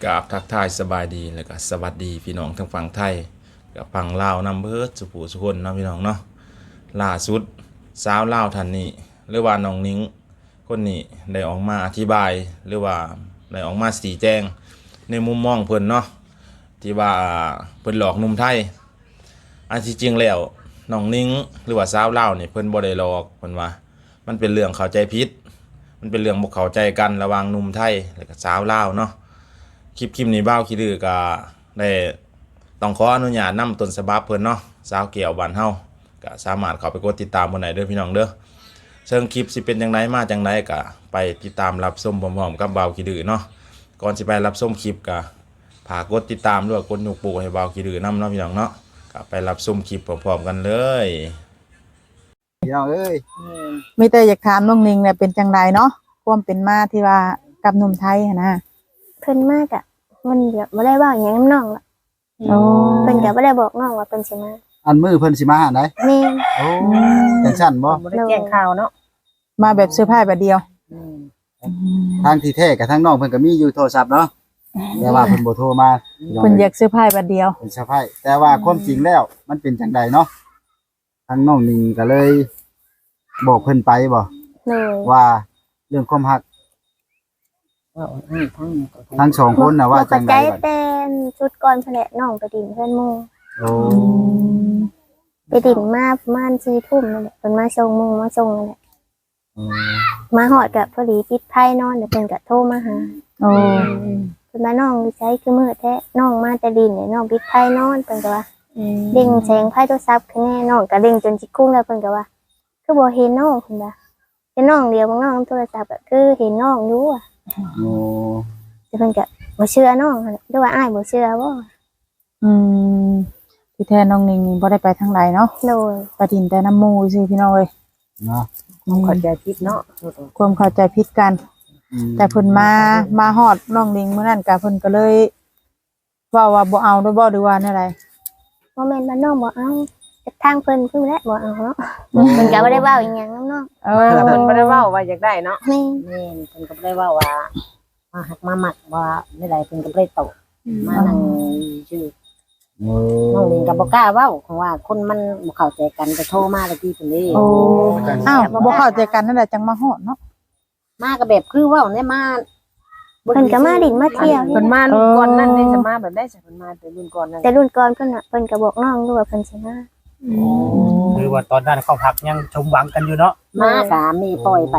กราบทักทายสบายดีแล้วก็สวัสดีพี่น้องทั้งฝั่งไทยกับฝั่งลาวนำเบิดสุผู้สุคนเนาะพี่น้องเนาะล่าสุดสาวลาวท่านนี้หรือว่าน้องนิ้งคนนี้ได้ออกมาอธิบายหรือว่าได้ออกมาชี้แจงในมุมมองเพิ่นเนาะที่ว่าเพิ่นหลอกหนุ่มไทยอันที่จริงแล้วน้องนิ้งหรือว่าสาวลาวนี่เพิ่นบ่ได้หลอกเพิ่นว่ามันเป็นเรื่องเข้าใจผิดมันเป็นเรื่องบ่เข้าใจกันระหว่างหนุ่มไทยและก็สาวลาวเนาะคลิปนี้บ้าวขี้ดื้อก็ได้ต้องขออนุญาตนำต้นฉบับเพิ่นเนาะสาวเกี่ยวบ้านเฮาก็สามารถเข้าไปกดติดตามเพิ่นได้เด้อพี่น้องเด้อเชิงคลิปสิเป็นจังไดมาจังไดก็ไปติดตามรับชมพร้อมๆกับบ้าวขี้ดื้อเนาะก่อนสิไปรับชมคลิปก็ฝากกดติดตามด้วยกดยกปูให้บ้าวขี้ดื้อนำเนาะพี่น้องเนาะก็ไปรับชมคลิปพร้อมๆกันเลยพี่น้องเอ้ยมีแต่อยากถามน้องนิงเนี่ยเป็นจังไดเนาะความเป็นมาที่ว่ากับหนุ่มไทยหั้นนะเพิ่นมากอะมันแบบบ่ได้เว้าหยังนำน้องล่ะโอ้เพิ่นก็บ่ได้บอกน้องว่าเพิ่นสิมาอันมือเพิ่นสิมาหาได้แม่นโอ้จังซั่นบ่บ่ได้แจ้งข่าวเนาะมาแบบเซอร์ไพรส์บัดเดียวทางที่แท้กับทางน้องเพิ่นก็มีอยู่โทรศัพท์เนาะแต่ว่าเพิ่นบ่โทรมาพี่น้องเพิ่นอยากเซอร์ไพรส์บัดเดียวเป็นสะพ้ายแต่ว่าความจริงแล้วมันเป็นจังใดเนาะทางน้องนิงก็เลยบอกเพิ่นไปบ่เลยว่าเรื่องความรักว่าทั้งสองคนน่ะว่าจังใดใจบัดแต่ชุดก่อนเพิ่นแหละน้องไปดินเพิ่นหมู่โอ้ไปดินมาประมาณ4 ทุ่มนั่นแหละเพิ่นมาส่งหมู่มาส่งนั่นแหละโอ้มาฮอดก็พอดีปิดไผนอนแล้วเพิ่นก็โทรมาหาโอ้เพิ่นมาน้องอยู่ไสคือมื้อแท้น้องมาแต่ดินเนี่ยน้องปิดไผนอนเพิ่นก็ว่าเด้งแสงไผโทรศัพท์คือแน่น้องก็เด้งจนสิคุ้งแล้วเพิ่นก็ว่าคือบ่เห็นน้องเพิ่นว่าเห็นน้องเดียวบ่น้องโทรศัพท์ก็คือเห็นน้องอยู่อะโอ้แต่เพิ่นก็บ่เชื่อน้องหั่นแหละหรือว่าอ้ายบ่เชื่อบ่อืมที่แท้น้องนิงนี่บ่ได้ไปทางใดเนาะโดยไปดินแต่น้ำหมู่ซื่อพี่น้องเอ้ยเนาะเข้าใจผิดเนาะความเข้าใจผิดกัน แต่เพิ่นมาฮอดน้องนิงมื้อนั้นก็เพิ่นก็เลยเว้าว่าบ่เอาด้วยบ่หรือว่าแนวใดบ่แม่นว่าน้องบ่เอาแต่ทางเพิ่นคือแหละบ่เอาเนาะเพิ่นก็บ่ได้เว้าอีหยังนำน้องเออเพิ่นบ่ได้เว้าว่าอยากได้เนาะแม่แม่นเพิ่นก็บ่ได้เว้าว่ามาหักมาหมักว่าไม่ได้เพิ่นก็บ่ได้โตมานั่งชื่อโอ้น้องลิงก็บ่กล้าเว้าเพราะว่าคนมันบ่เข้าใจกันก็โทรมาตะกี้เพิ่นนี่โอ้อ้าวบ่เข้าใจกันนั่นแหละจังมาฮอดเนาะมาก็แบบคือเว้าได้มาเพิ่นก็มาดินมาเที่ยวเพิ่นมารุ่นก่อนนั้นได้จะมาแบบได้สิเพิ่นมาแต่รุ่นก่อนนั้นแต่รุ่นก่อนเพิ่นน่ะเพิ่นก็บอกน้องอยู่ว่าเพิ่นสิมาคือว่าตอนนั้นเขาพักยังชมหวังกันอยู่เนาะมาสามีปล่อยไป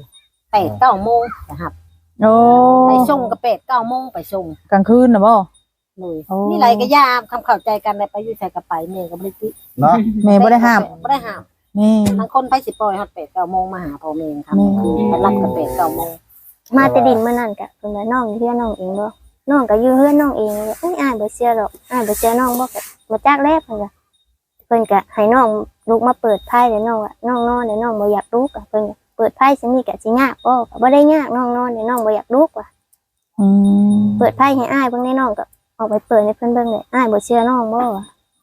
8 9โมงนะครับโอ้ไปส่งก็8 9โมงไปส่งกลางคืนน่ะบ่เลยโอ้นี่ไรก็ยามคำเข้าใจกันได้ไปอยู่ใส่กระไปเมย์ก็บ่ได้ติเนาะแม่บ่ได้ห้ามบ่ได้ห้ามแม่บางคนไปสิปล่อยฮอด8 9โมงมาหาพ่อแม่ครับแม่คือไปรับก็8 9โมงมาแต่ดินมื้อนั้นก็เพิ่นว่าน้องอยู่เฮือนน้องเองบ่น้องก็อยู่เฮือนน้องเองเลยอ้ายบ่เชื่อหรอกอ้ายบ่เชื่อน้องบ่ก็บ่จักแล้วเพิ่นว่าเพิ่นก็ให้น้องลุกมาเปิดไพ่แล้วน้องว่าน้องนอนแล้วน้องบ่อยากลุกอะเพิ่นก็เปิดไพ่ซิมีก็สิยากบ่ก็บ่ได้ยากน้องนอนแล้วน้องบ่อยากลุกว่ะอืมเปิดไพ่ให้อ้ายเบิ่งในน้องก็ออกไปเปิดให้เพิ่นเบิ่งเลยอ้ายบ่เชื่อน้องบ่ว่ะ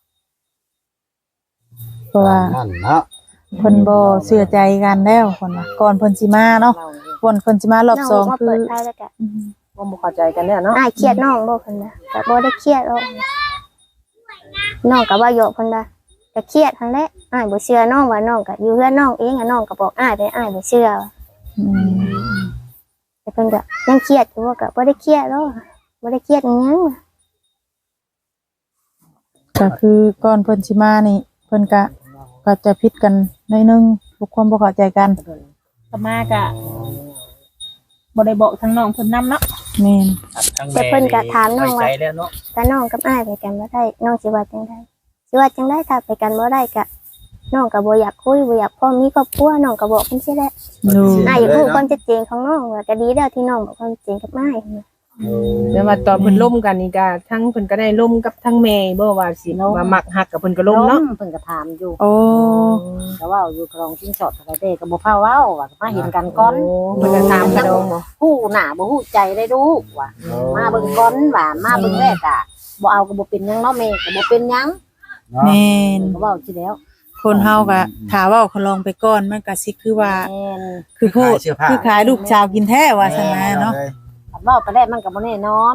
เพราะว่านั่นเนาะเพิ่นบ่เชื่อใจกันแล้วคนน่ะก่อนเพิ่นสิมาเนาะก่อนเพิ่นสิมารอบน้องสองมาคืเปิอดไพ่แล้วก็บ่เข้าใจกันเนี่ยเนาะอ้ายเครียดน้องบ่เพิ่นว่าก็บ่ได้เครียดหรอกน้องก็ว่าโยกเพิ่นว่าก็เครียดหั่นแหละอ้ายบ่เชื่อน้องว่าน้องก็อยู่เฮือนน้องเองอะน้องก็บอกอ้ายไปอ้ายบ่เชื่อว่ะอืมแต่เพิ่นก็ยังเครียดอยู่ว่าก็บ่ได้เครียดหรอกบ่ได้เครียดอีหยังว่ะก็คือก่อนเพิ่นสิมานี่เพิ่นก็จะผิดกันหน่อยนึงทุกความบ่เข้าใจกันก็มากะบ่ได้บอกทางน้องเพิ่นนำเนาะแม่นทั้งแต่แม่เพิ่นก็ถามน้องไว้ว่าใจแล้วเนาะถ้าน้องกับอ้ายไปกันบ่ได้น้องสิว่าจังไดสิว่าจังไดถ้าไปกันบ่ได้ก็น้องก็บ่อยากคุยบ่อยากพ่อมีครอบครัวน้องก็บอกเพิ่นสิแหละดูอ้ายอยากรู้ความชัดเจนของน้องว่าก็ดีแล้วที่น้องบอกความจริงกับอ้ายแต่ว่าตอนเพิ่นล่มกันนี่ก็ทั้งเพิ่นก็ได้ล่มกับทั้งแม่บ่ว่าสิว่ามักฮักกับเพิ่นก็ล่มเนาะเพิ่นก็ถามอยู่โอ้ก็ว่าอยู่ครองชิ้นสอดอะไรเด้ก็บ่พาเว้าว่ามาเห็นกันก่อนเพิ่นก็ถามกันฮู้หน้าบ่ฮู้ใจได้ดูว่ามาเบิ่งก่อนว่ามาเบิ่งแรกอ่ะบ่เอาก็บ่เป็นหยังเนาะแม่ก็บ่เป็นหยังแม่นก็เว้าสิแล้วคนเฮาก็ถ้าเว้าเขาลองไปก่อนมันก็สิคือว่าแม่นคือพูดคือขายลูกชาวกินแท้ว่าซั่นนะเนาะเว้าไปได้มันก็บ่แน่นอน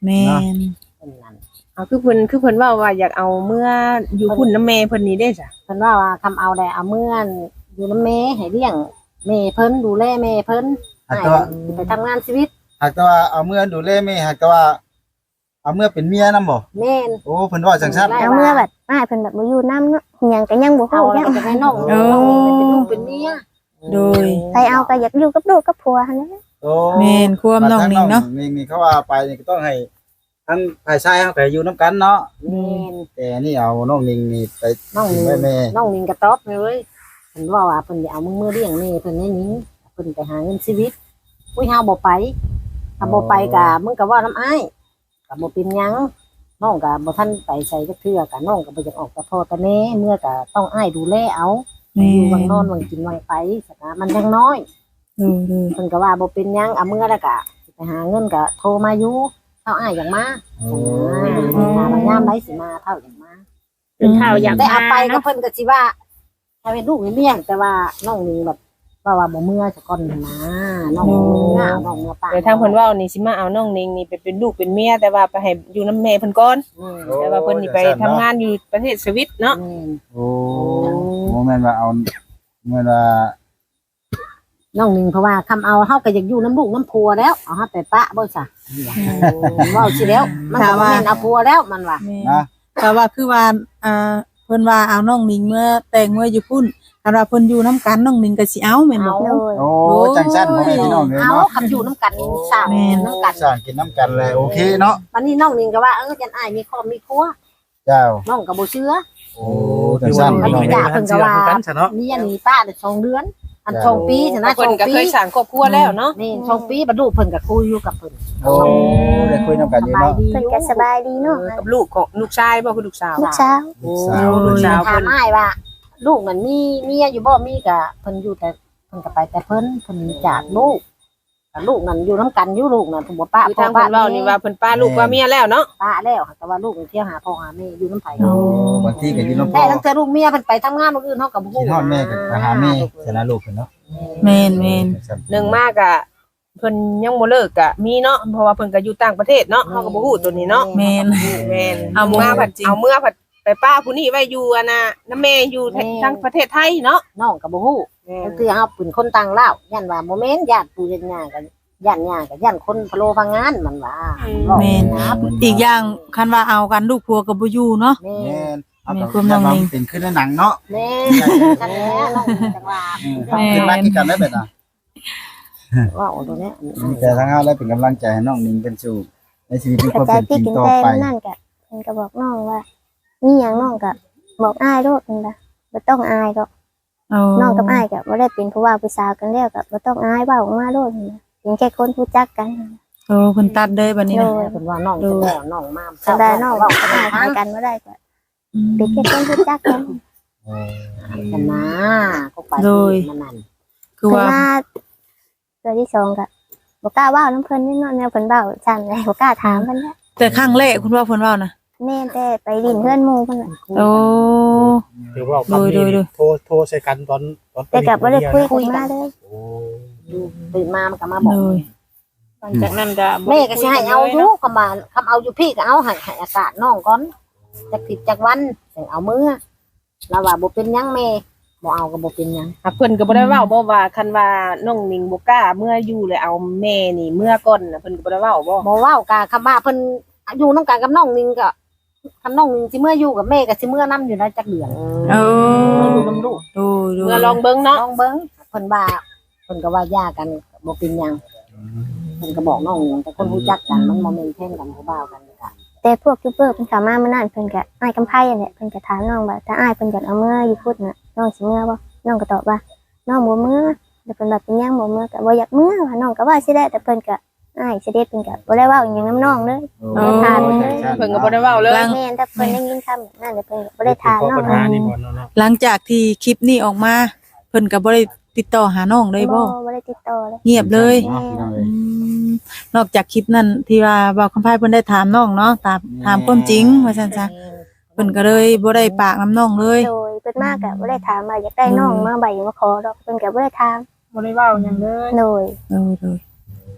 แม่นเพิ่นนั่นเอาคือเพิ่นว่าอยากเอาเมื่ออยู่พุ่นน้ำแม่เพิ่นนี่ได้จ้ะเพิ่นว่าคำเอาได้เอาเมื่อนอยู่นำแม่ให้เลี้ยงแม่เพิ่นดูแลแม่เพิ่นหากให้แต่ว่าไปทำงานชีวิตหากแต่ว่าเอาเมื่อดูแลแม่หากแต่ว่าเอาเมื่อเป็นเมียนำบ่แม่นโอ้เพิ่นว่าจังซั่นได้เอาเมื่อแบบอ้ายเพิ่นแบบบ่อยู่นำเนาะอิหยังก็ยังบ่เอาฮู้แล้ยัวงก็จะให้น้องเป็นลูกเป็นเมียโดยไปเอาก็อยากอยู่กับลูกกับผัวหั่นแหละโอ้แม่นความน้องนิ่งเนาะนิ่งนี่เขาว่าไปนี่ก็ต้องให้ทั้งฝ่ายชายเฮาก็อยู่นํกันเนาะแม่นแต่นี่เอาน้องนิ่งนี่ไปน้องทิ้นิงงไว้แม่น้องนิงกระต๊อบเลยเพิ่นว่าเพิ่นสิเอามือเลี้ยงแม่เพิ่นให้นิ้งเพิ่นไปหาเงินชีวิตอุ้ยเฮาบ่ไปถ้าบ่ไปก็มึงก็ว่าน้ำอ้ายก็บ่เป็นหยังน้องก็บ่ทันไปใส่จักเทื่อก็น้องก็บ่อยากออกแต่พ่อแต่แม่เมื่อก็ต้องอ้ายดูแลเอาแม่อยู่วังนนอนวังกินวังไปสักนะมันยังน้อยโดยเพิ่นก็ว่าบ่เป็นหยังเอาเมื่อแล้วก็สิไปหาเงินก็โทรมาอยู่เท่าอ้ายอย่างมาโอ้ถามว่ายามใดสิมาเท่าอย่างมาเป็นข่าวอยากแต่เอาไปก็เนาะเพิ่นก็สิว่าถ้าเป็นลูกนี่เลี้ยงแต่ว่าน้องนี่แบบว่าบ่เมื่อซะก่อนนะน้องบ่เมื่อเอาน้องเมื่อป้าเดี๋ยวทางเพิ่นเว้านี่สิมาเอาน้องนิงนี่ไปเป็นลูกเป็นเมียแต่ว่าไปให้อยู่น้ำแม่เพิ่นก่อนอืมแต่ว่าเพิ่นนี่ไปทำงานอยู่ประเทศสวิตเนาะอืมโอ้โมแม่นว่าเอาแม่นว่าน้องนึงเพราะว่าคำเอาเฮาก็อยากอยู่น้ำลูกน้ำผัวแล้วเอาเฮาไปปะบ่ซะเว้าสิแล้วมันก็บ่แม่นเอาผัวแล้วมันว่าแม่นนะแต่ว่าคือว่าเพิ่นว่าเอาน้องนิ่งเมื่อแต่งเมื่ออยู่พุ่นคันว่าเพิ่นอยู่นํกันน้องนิ่งก็สิเอาแม่นบ่เอาโดยโอ้จังซั่นบ่แม่นพี่น้องเลยเอาเนาะคำอยู่น้ำกันสร้างแม่นน้ำกันสร้างกินน้ำกันเลยโอเคเนาะวันนี้น้องนึงก็ว่าจันอ้ายมีครอบมีครัวเจ้าน้องก็บ่เชื่อโอ้จังซั่นอันพี่น้องนี้เอ้ด่าย เพิ่นก็ว่ากันซะเนาะมีอันนี้ป้าได้2เดือน อัน2ปีชนะเพิ่นก็ 2ปีเคยสร้างครอบครัวแล้วเนาะนี่2ปีบรรลุเพิ่นก็คุยอยู่กับเพิ่นโอ้ได้คุยน้ำกันอยู่เนาะเพิ่นก็สบายดีเนาะกับลูกของลูกชายบ่คือลูกสาวลูกสาวลูกสาวลูกสาวถาเพิ่มนอ้ายว่า ลูกมันมีเมียอยู่บ่มีก็เพิ่นอยู่แต่เพิ่นก็ไปแต่เพิ่นจากลูกแต่ลูกนั่นอยู่นํกันอยู่ลูกนั่นเพิ่นบ่ป้าคือทางเพิ่นเว้านี่ว่าเพิ่นป้าลูกว่าเมียแล้วเนาะป้าแล้วแต่ว่าลูกเที่ยวหาพ่อหาแม่อยู่น้ำไผโอ้บางทีก็อยู่น้ำพ่แต่อตั้งแต่ลูกเมียเพิ่นไปทำงานมื้ออื่นเฮาก็บ่กินฮอดแม่ก็ไปหาแม่ชนะลูกเพิ่นเนาะแม่นแม่นหนึ่งมากอะเพิ่นยังบ่เลิกอะมีเนาะเพราะว่าเพิ่นก็อยู่ต่างประเทศเนาะเฮาก็บ่ฮู้ตัวนี้เนาะแม่นแม่นเอาเอาบ่มาฮู้ผัดจริงเอาเมื่อผัดไปป้าผู้นี้ไว้อยู่อะนะน้าแม่อยู่ทางประเทศไทยเนาะน้องก็บ่ฮู้ ก็คือเฮาเป็นคนต่างลาวย่านว่าบ่แม่นญาติปู่ญาติย่ากันย่านย่ากันย่านคนพะโลพังงานมันว่าแม่น อีกอย่างคันว่าเอากันลูกผัวก็บ่อยู่เนาะแม่แม่นเอาแม่ก็ความน้องนิ่งเป็นขึ้นในหนังเนาะแม่จังแหละน้องจังว่าขึ้นมากินกันได้แบบน่ะว่าเอาตัวเนี้ยมีแต่ทั้งเฮาและเป็นกำลังใจให้น้องนิ่งเป็นสู่ในชีวิตที่กระเขาจาเป็ยนจพี่ริงกินต่อแต่ไปนั่นก็เพิ่นก็บอกน้องว่ามีหยังน้องก็บอกอ้ายโลดเพิ่นว่าบ่ต้องอายดอกเอาน้องกับอ้ายก็บ่ได้เป็นผู้ว่าผู้สาวกันแล้วก็บ่ต้องอายเว้าออกมาโลดเพิ่นว่าเป็นแค่คนรู้จักกันโอ้เพิ่นตัดเลยบัดนี้โดนะยเพิ่นว่าน้องจะแล้วน้องมาก็ได้น้องว่าก็ก็อ้าได้ยทั้หาง กันบ่ได้ก็อืมเป็นแค่คนรู้จักกันโอ้กันนะก็ไปมันนั่นคือเพิ่นว่ามาเทื่อที่สองก็บ่กล้าเว้านำเพิ่นนี่เนาะแนวเพิ่นเว้าซั่นเลยบ่กล้าถามเพิ่นแล้วแต่ครั้งแรกคุณว่าเพิ่นเว้านะแม่นแต่ไปดินเพื่อนหมู่เพิ่นน่ะโอ้หรือว่าโดยโทรใส่กันตอนแต่ก็บ่ได้คุยกันมาเลยโอ้ตื่นมามันก็มาบอกโดยหลังจากนั้นก็แม่ก็สิให้เอาอยู่คำว่าคำเอาอยู่พี่ก็เอาให้อากาศน้องก่อนจักผิดจักวันจังเอามือแล้วว่าบ่เป็นหยังแม่บ่เอาก็บ่เป็นหยังอ่ะเพิ่นก็บ่ได้เว้าบ่ว่าคันว่าน้องนิงบ่กล้าเมื่ออยู่เลยเอาแม่นี่เมื่อก่อนน่ะเพิ่นก็บ่ได้เว้าบ่บ่เว้ากะคำว่าเพิ่นอยู่นำกันกับน้องนิงก็คันน้องนิงสิเมื่ออยู่กับแม่ก็สิเมื่อนํอยู่นะจักเดือนโอ้อยู่นํลูกโดยโดยเมื่อลองเบิ่งเนาะน้องเบิ่งเพิ่นว่าเพิ่นก็ว่าย่ากันบ่เป็นหยังเพิ่นก็บอกน้องนิงแต่คนรู้จักกันมันบ่แม่นแข่งกันผู้บ่าวกันก็แต่พวกยูทูบเบอร์เพิ่นเข้ามามื้อนั้นเพิ่นก็อ้ายกำไผนั่นแหละเพิ่นก็ถามน้องว่าถ้าอ้ายเพิ่นอยากเอาเมื่ออยู่พุทธน่ะน้องสิเมื่อบ่น้องก็ตอบว่าน้องบ่เมื่อแล้วเพิ่นว่าเป็นหยังบ่เมื่อก็บ่อยากเมื่อว่าน้องก็ว่าสิได้แต่เพิ่นก็อ้ายเสด็จเพิ่นก็บ่ได้เว้าอิหยังนํน้องเลยโอ้ถามเลยเพิ่นก็บ่ได้เว้าเลยแม่นถ้าเพิ่นได้ยินคำแบบนั้นแล้วเพิ่นก็บ่ได้ถามน้องปัญหานี่บ่เนาะหลังจากที่คลิปนี้ออกมาเพิ่นก็บ่ได้ติดต่อหาน้องเลยบ่บ่ได้ติดต่อเลยเงียบเลยเนาะพี่น้องเอ้อืยมนอกจากคลิปนั้นที่ว่าบอกคำพายเพิ่นได้ถามน้องเนาะถามความจริงว่าซั่นซะเพิ่นก็เลยบ่ได้ปากน้ำน้องเลยโดยเพิ่นมาก็บ่ได้ถามว่าอยากได้น้องมาใบมาขอดอกเพิ่นก็บ่ได้ถามบ่ได้เว้าหยังเลยโดยโดย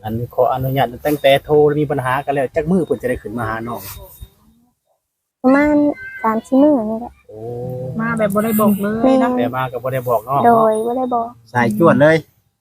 อันขออนุญาตตั้งแต่โทรมีปัญหากันแล้วจักมือเพิ่นจะได้ขึ้นมาหาน้องประมาณ3-4มื้อนี่แหละโอ้มาแบบบ่ได้บอกเลยแม่เนาะแต่มาก็บ่ได้บอกน้องโดเนาะยบ่ได้บอกสายจวดเลย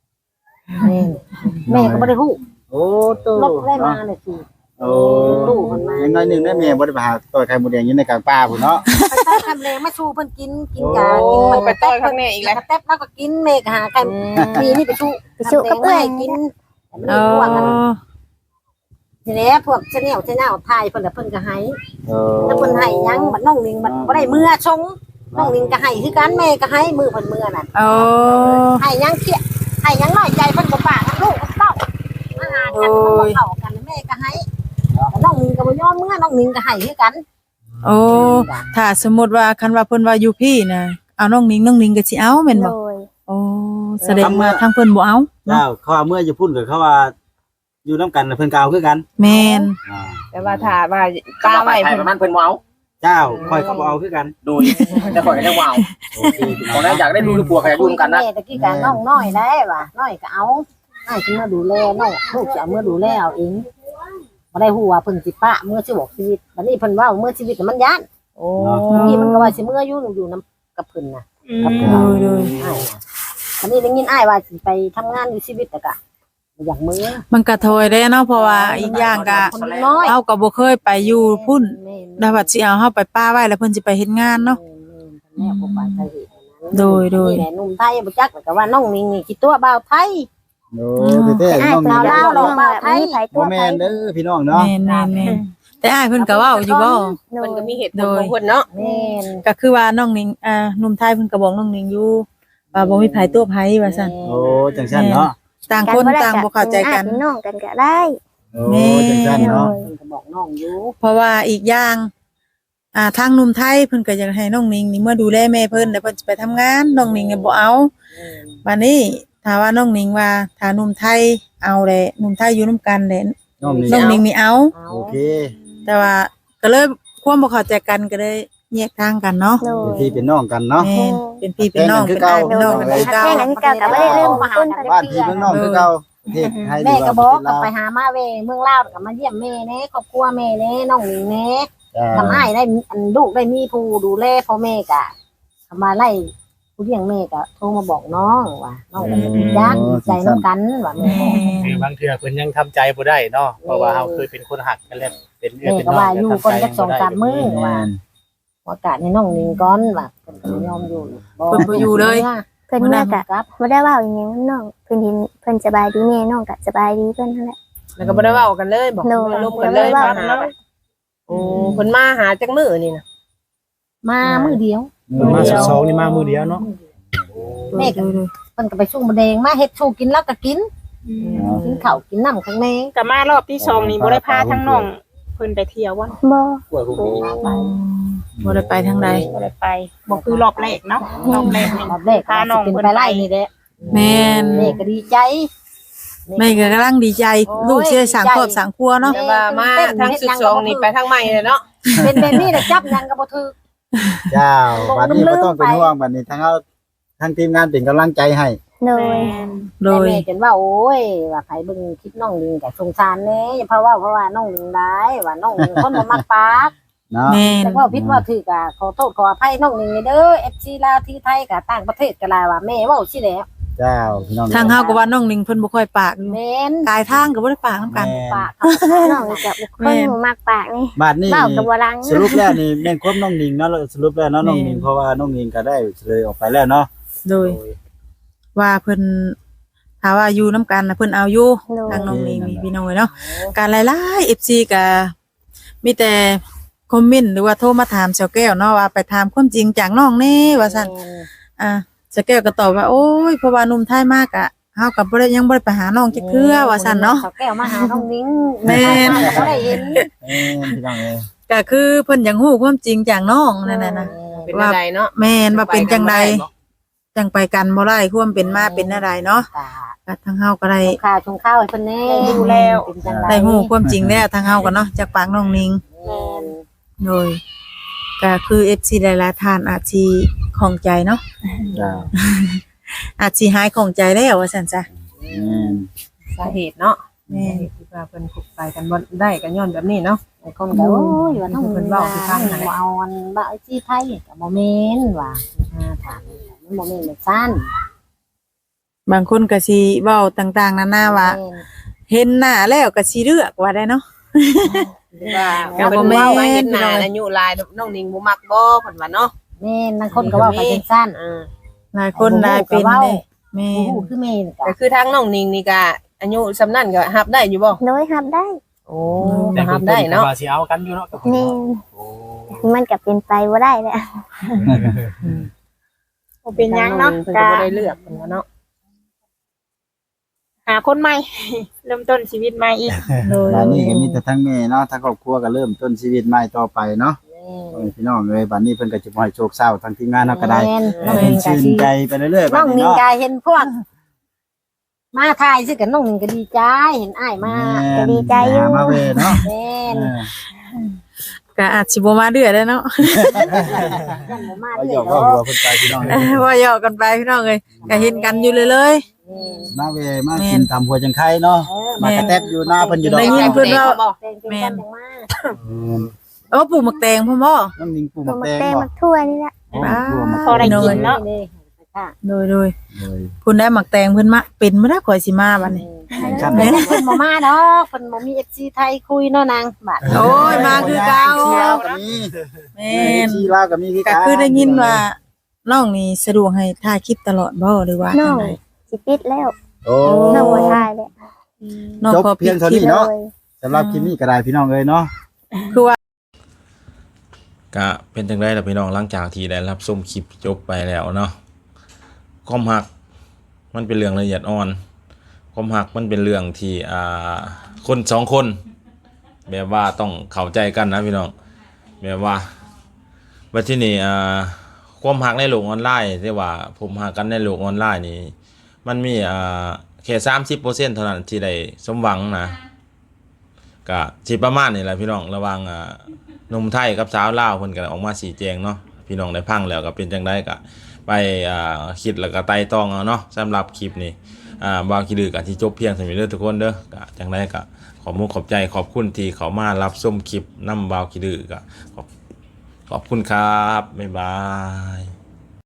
แม่ก็บ่ได้ฮู้โอ้ตู้รถได้มาเลยสิโอ้ตู้มันมายังน้อยหนึงได้แม่บ่ได้ไปหาต่อยไข่มดแดงอยู่ในกลางป่าพุ่นเนาะไปใส่คำแรงมาชูเพิ่นกินกะโอ้กินไปต่อยข้างในอีกแล้วกระแตบแล้วก็กินแม่ก็หาไข่มีนี่ไปชูไปชูกับเอื้อยกินเออทีนี้พวกเจ้าไทยเพิ่นน่ะเพิ่นก็ให้เออแล้วเพิ่นให้ยังบัดน้องนิงบัดบ่ได้มือชงน้องนิงก็ให้คือกันแม่ก็ให้มือเพิ่นมือนั่นเอาให้ยังเขี้ยให้ยังน้อยใจเพิ่นบ่ปากกับลูกกับเต้ามาหากันเพิ่นบ่เข้ากันแม่ก็ให้แล้วน้องนิงก็บ่ยอมมือน้องนิงก็ให้คือกันโอ้ถ้าสมมุติว่าคันว่าเพิ่นว่าอยู่พี่น่ะเอาน้องนิงก็สิเอาแม่นโดบ่ยโอ้แสดงว่าทางเพิ่นบ่เอาเนาะเจ้าเขาว่าเมื่ออยู่พุ่นก็เขาว่าอยู่นํกันน่ะเพิ่นก็เอาคือกันแม่นอ่าแต่ว่าถ้าว่าป้าไว้เพิ่นมันเพิ่นเว้าเจ้าค่อยเขาบ่เอาคือกันโดยแต่ข่อยก็ได้เว้าโอเคพี่น้บ่องได้อยากได้ลูกหรือผัวก็อยากอยู่ร่วมกันนะแม่ตะกี้ก็น้องน้อยได้ว่ะน้อยก็เอาให้ขึ้นมาดูแลน้องลูกจะเอามาดูแลเอาเองบ่ได้ฮู้ว่าเพิ่นสิปะเมื่อชีวิตชีวิตบัดนี้เพิ่นเว้าเมื่อชีวิตน่ะมันย้านโอ้ที่มันก็ว่าสิเมื่ออยู่นำกับเพิ่นน่ะกับเพิ่นโดยอ้ายน่ะอันนี้ได้ยินอ้ายว่าสิไปทำงานอยู่ชีวิตแต่ก็บ่อยากมือมันก็โทยได้เนาะเพราะว่าอีกอย่างก็คนน้อยเฮาก็บ่เคยไปอยู่พุ่นแม่นแล้วว่าสิเอาเฮาไปป้าไว้แล้วเพิ่นสิไปเฮ็ดงานเนาะแม่บ่ปานใจเฮ็ดนั้นโดยนี่แหละหนุ่มไทยบ่จักแล้วก็ว่าน้องนิ่งนี่คิดตัวบ่าวไทยโอ้แท้อ้าๆยน้องเปล่านี่เล่าเนาะน้องแบบมีไผตับ่วไผแม่นเด้อพี่น้องเนาะแม่นแต่อ้ายเพิ่นก็เว้าอยู่บ่โดเพิ่ยนก็มีเหตุผลของเพิ่นเนาะแม่นก็คือว่าน้องนิงหนุ่มไทยเพิ่นก็บอกน้องนิงอยู่ว่าบ่มีไผตัวไผว่าซั่นโอ้จังซั่นเนาะต่างคนต่างบ่เข้าใจกันอ้ยเป็นน้องกันก็ได้โอ้จังซั่นเนาะเพิ่นก็บอกน้องอยู่เพราะว่าอีกอย่างทางหนุ่มไทยเพิ่นก็อยากให้น้องนิงนี่เมื่อดูแลแม่เพิ่นแล้วเพิ่นสิไปทำงานน้องนิงก็บ่เอาบัดนี้ถ้าว่าน้องนิงว่าถ้าหนุ่มไทยเอาแหละหนุ่มไทยอยู่นํกันแหละน้องนี่น้องนิงนี่เอาเอาโอเคแต่ว่าก็เลยความบ่เข้าใจกันก็เลยแยกทางกันเนาะโดเป็นยพี่เป็นน้องกันเนาะแม่นเป็นพี่เป็นน้องเป็นอ้ายเป็นน้องกันคือเก่าแค่นั้นก็ก็บ่ได้ลืมบุญคุณเพิ่นบ้านพี่เมืองน้องคือเก่าประเทศไทยแม่ก็หบรืออกว่าก็ประไปเทศลาวหามาเวเมืองลาวก็มาเยี่ยมแม่แน่ครอบครัวแม่แน่น้องนิ่งแน่จ้าทำให้ได้อันลูกได้มีผู้ดูแลพ่อแม่กะทำมาไล่ผู้เลี้ยงแม่กะโทรมาบอกน้องว่าน้องก็จะดีจักดีใจน้ำกันว่าแม่คือบางเทื่อเพิ่นยังทำใจบ่ได้เนาะเพราะว่าเฮาเคยเป็นคนหักกันแล้วเป็นเอื้อแม่เป็นก็น้องว่าอยู่คนจัก2-3มื้อแม่ว่าน โอกาสให้น้องนิ่งก่อนว่าเพิ่นก็บ่ยอมอยู่เพิ่นบ่อยู่เลยเพิ่นเมื่อก็บ่ได้เว้าอีหยังนำน้องเพิ่นเห็นเพิ่นสบายดีแม่น้องก็สบายดีเพิ่นนั่นแหละแล้วก็บ่ได้เว้ากันเลยบอกโดบ่ยได้ลมกันเลยบ่ได้มาเว้าหาโอ้เพิ่นมาหาจักมื้อนี่นะมามื้อเดียวมาสองนี่มามือเดียวเนาะแม่ก็เพิ่นก็ไปสู้มะแดงมาเฮ็ดสู้กินแล้วก็กินกินข้าวกินน้ำข้างในก็มารอบที่สองนี่บ่ได้พาทั้งน้องเพิ่นไปเที่ยวบ่บ่กล้วยพวกนี้บ่ได้ไปทางใดบ่ได้ไปบ่คือรอบแรกเนาะรอบแรกนี่รอบแรกก็สิเป็นไปไล่นี่แหละแม่นแม่ก็ดีใจแม่ก็กำลังดีใจลูกสิได้สร้างครอบสร้างครัวเนาะแต่ว่ามาทางสุดสองนี่ไปทางใหม่เลยเนาะเป็นแบบนี้แหละจับยังก็บ่ถือเจ้าบัดนี้บ่ต้องเป็นห่วงบัดนี้ทั้งทีมงานเป็นกำลังใจให้โดยโดยแม่จนว่าโอ้ยว่าไผเบิ่งคลิปน้องลิงก็สงสารแน่เพราะว่าน้องลิงได้ว่าน้องลิงคนบ่มักปากเนาะแม่นแต่ว่าผิดว่าถูกก็ขอโทษขออภัยน้องลิงเด้อ FC ลาวที่ไทยก็ต่างประเทศก็หลายว่าแม่เว้าสิแหล้วเจ้าพี่น้องทางเฮาก็ว่าน้องนิงเพิ่นบ่ค่อยปากอยู่แม่นกายทางก็บ่ได้ปากนํกันปากน้องกับคนหมู่มักปากนี่บัดนี้เว้าก็บ่ลังสรุปแล้วนี่แม่นความน้องนิงเนาะสรุปแล้วเนาะน้องนิงเพราะว่าน้องนิงก็ได้เลยออกไปแล้วเนาะโดยว่าเพิ่นถ้าว่าอยู่นํกันน่ะเพิ่นเอาอยู่โดยทางน้องนิงนี่พี่น้องเอ้ยเนาะการหลายๆ FC ก็มีแต่คอมเมนต์หรือว่าโทรมาถามเจ้าแก้วเนาะว่าไปถามความจริงจากน้องแน่ว่าซั่นเจ้าแก้วก็ตอบว่าโอ้ยเพราะว่าหนุ่มไทยมากอะเฮาก็บ่ได้ยังบ่ได้ไปหาน้องจักเทื่อว่าซั่นเนาะแก้วมาหาน้องลิงแม่นบ่ได้เห็นพี่น้องเอ้ยก็คือเพิ่นอยากฮู้ความจริงจากน้องนั่นน่ะนะเป็นอะไรเนาะแม่นว่าเป็นจังใดจังไปกันบ่ได้ความเป็นมาเป็นอะไรเนาะก็ทางเฮาก็ได้ชงข้าวให้เพิ่นแน่ดูแล้วเป็นจังได๋ได้ฮู้ความจริงแล้วทางเฮาก็เนาะจากปากน้องนิงแม่นโดยก็คือ FC หลายๆท่านอาจสิของใจเนาะเจ้าอาจสิหายของใจแล้วว่าซั่นจ้ะแม่นสาเหตุเนาะแแม่ที่ว่าเพิ่นคบไปกันบ่ได้ก็ย้อนแบบนี้เนาะไอ้คนก็โอ้ยว่าน้องเพิ่นเว้าสิฟังนั่นแหละบ่เอาอันบ่เอาสิไผก็บ่แม่นว่าถามมันบ่แม่นแบบซั่นบางคนก็สิเว้าต่างๆนานาว่า เห็นหน้าแล้วก็สิเลือกว่าได้เนาะว่าก็บ่เพิ่นแม่นเว้าว่าเห็นหน้าอายุหลายน้องนิงบ่มักบ่เพิ่นว่าเนาะแม่นบางคนก็เว้าไปจังซั่นหลายคนหลายเป็นเด้แม่โอ้นคือแม่นก็ก็คือทางน้องนิงนี่ก็อายุสำนั้นก็รับได้อยู่บ่โดยรับได้โอ้ก็รับได้เนาะว่าสิเอากันอยู่เนาะกับเพิ่นแม่เนาะนโอ้มันก็เป็นไปบ่ได้แหละบ่เป็นหยังเนาะเพิ่นก็ก็บ่ได้เลือกเพิ่นว่าเนาะหาคนใหม่ เริ่มต้นชีวิตใหม่อีกบัดนี้ก็มีแต่ทั้งแม่เนาะทั้งครอบครัวก็เริ่มต้นชีวิตใหม่ต่อไปเนาะพี่น้องเอ้ยบัดนี้เพิ่นก็จะบ่ให้โชคเศร้าทั้งทีมงานเนาะก็ได้แม่นน้องให้นิเพิ่งนก็ชื่นสิใจไปเรื่อยๆน้บัอดงนี้นิงเนาะก็เห็นพวก มาถ่ายสิกับน้องนิงก็ดีใจเห็นอ้ายมาก็ดีใจอยู่หามาเว้ยเนาะแม่นก็อาจสิบ่มาเดือได้เนาะยังบ่มาเอาเรื่หยออย กว่าหัวเพิ่นไปพี่น้องเอ้ยว่าหยอกกันไปพี่น้องเอ้ยก็เห็นกันอยู่เลยมาเว้ยมากินตำหัวจังไข่เนาะมากระแทบอยู่หน้าเพิ่นอยู่ดอกได้ยินเพิ่นว่าเป็นคนจังมาๆโอ้ปลูกหมักแตงพ่อบ่น้ำนิ่งปลูกตัวมะมัแตกงแตงบ่มักทั่วนี่แหละอ๋อปลูกมะพอได้กินเนาะโดยเลยๆคุณได้หมักแตงเพิ่นมาเป็นบ่ได้ข่อยสิมาบัดนี้แข่งขันเพิ่เนาะนบ่มาดอกเพิ่นบ่มี FC ไทยคุยเนาะนางบาดโอ้ยมาคือเก่าชีลาวก็มีแม่นชีลาวก็มีคือก็กันคือได้ยินว่าน้องนี่สะดวกให้ถ่ายคลิปตลอดบ่หรือว่าน้องจังไดสิปิดแล้วโอ้น้องบ่ทายเลยน้องจบขอเพียงเท่าคลินี้ปเนาะโดยสำหรับคลิปนี้ก็ได้พี่น้องเอ้ยเนาะคือว่าก็เป็นจังไดล่ะพี่น้องหลังจากที่ได้รับชมคลิปจบไปแล้วเนาะความรักมันเป็นเรื่องละเอียดอ่อนความรักมันเป็นเรื่องที่คนสองคนแบบว่าต้องเข้าใจกันนะพี่น้องแบบว่าบัดที่นี่ความรักในโลกออนไลน์ที่ว่าผมรักกันในโลกออนไลน์นี่มันมีแค่ 30% เท่านั้นที่ได้สมหวังนะก็สิประมาณนี้แหละพี่น้องระหว่างหนุ่มไทยกับสาวลาวเพิ่นก็ออกมาชี้แจงเนาะพี่น้องได้ฟังแล้วก็เป็นจังไดก็ไปคิดแล้วก็ไต่ตองเอาเนาะสำหรับคลิปนี้บ่าวคิดดื้อก็สิจบเพียงเท่านี้เด้อทุกคนเด้อก็จังไดก็ขอบมุกขอบใจขอบคุณที่เขามารับชมคลิปนำบ่าวคิดดื้อก็ขอบคุณครับบ๊ายบาย